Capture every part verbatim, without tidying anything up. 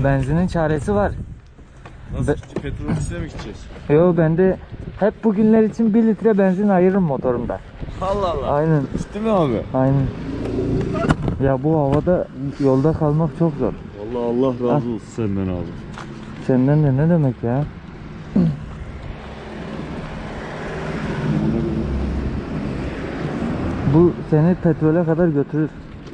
Benzinin çaresi var. Nasıl Be gideceğiz? Petrol ofisine mi gideceğiz? Yo, ben de hep bugünler için bir litre benzin ayırırım motorumda. Allah Allah. Aynen. Ciddi mi abi? Aynen. Ya bu havada yolda kalmak çok zor. Vallahi Allah razı olsun senden abi. Senden de ne demek ya? Bu seni petrole kadar götürür.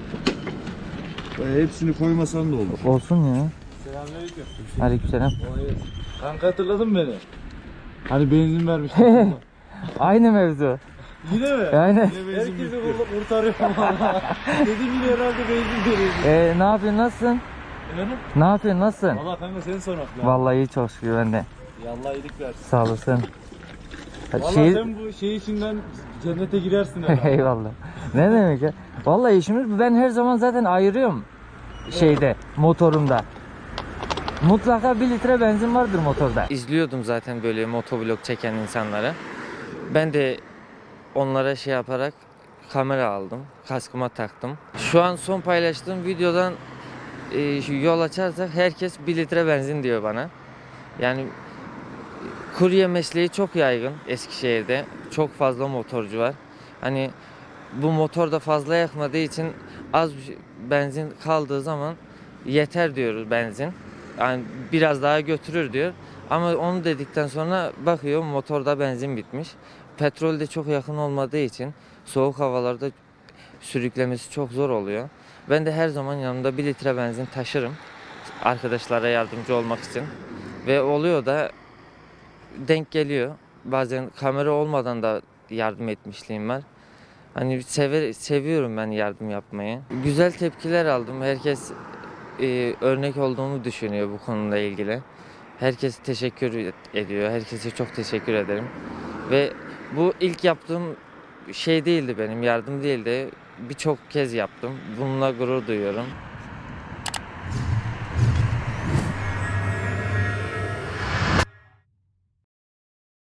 E, hepsini koymasan da olur. Olsun ya. Selamünaleyküm. Aleykümselam. Kanka hatırladın beni. Hani benzin vermiştin. Aynı mevzu. Yine mi? Aynen. Herkesi kurtarıyorum valla. Dedim yine herhalde benzin veriyor. Ee, ne yapıyorsun, nasılsın? Efendim? Ne yapıyorsun, nasılsın? Valla kanka seni sormak lazım. Vallahi iyi, çok şükür ben de. Ya Allah iyilik versin. Sağ olasın. Valla Şehir... sen bu şey içinden cennete girersin herhalde. Eyvallah. Ne demek ya? Vallahi işimiz, ben her zaman zaten ayırıyorum şeyde, motorumda. Mutlaka bir litre benzin vardır motorda. İzliyordum zaten böyle motovlog çeken insanları. Ben de onlara şey yaparak kamera aldım. Kaskıma taktım. Şu an son paylaştığım videodan e, şu yol açarsak herkes bir litre benzin diyor bana. Yani kurye mesleği çok yaygın Eskişehir'de. Çok fazla motorcu var. Hani bu motor da fazla yakmadığı için az benzin kaldığı zaman yeter diyoruz benzin. Yani biraz daha götürür diyor. Ama onu dedikten sonra bakıyor motorda benzin bitmiş. Petrol de çok yakın olmadığı için soğuk havalarda sürüklemesi çok zor oluyor. Ben de her zaman yanımda bir litre benzin taşırım. Arkadaşlara yardımcı olmak için. Ve oluyor da denk geliyor. Bazen kamera olmadan da yardım etmişliğim var. Hani sever, seviyorum ben yardım yapmayı. Güzel tepkiler aldım. Herkes e, örnek olduğumu düşünüyor bu konuyla ilgili. Herkes teşekkür ediyor. Herkese çok teşekkür ederim. Ve bu ilk yaptığım şey değildi benim, yardım değildi. Birçok kez yaptım. Bununla gurur duyuyorum.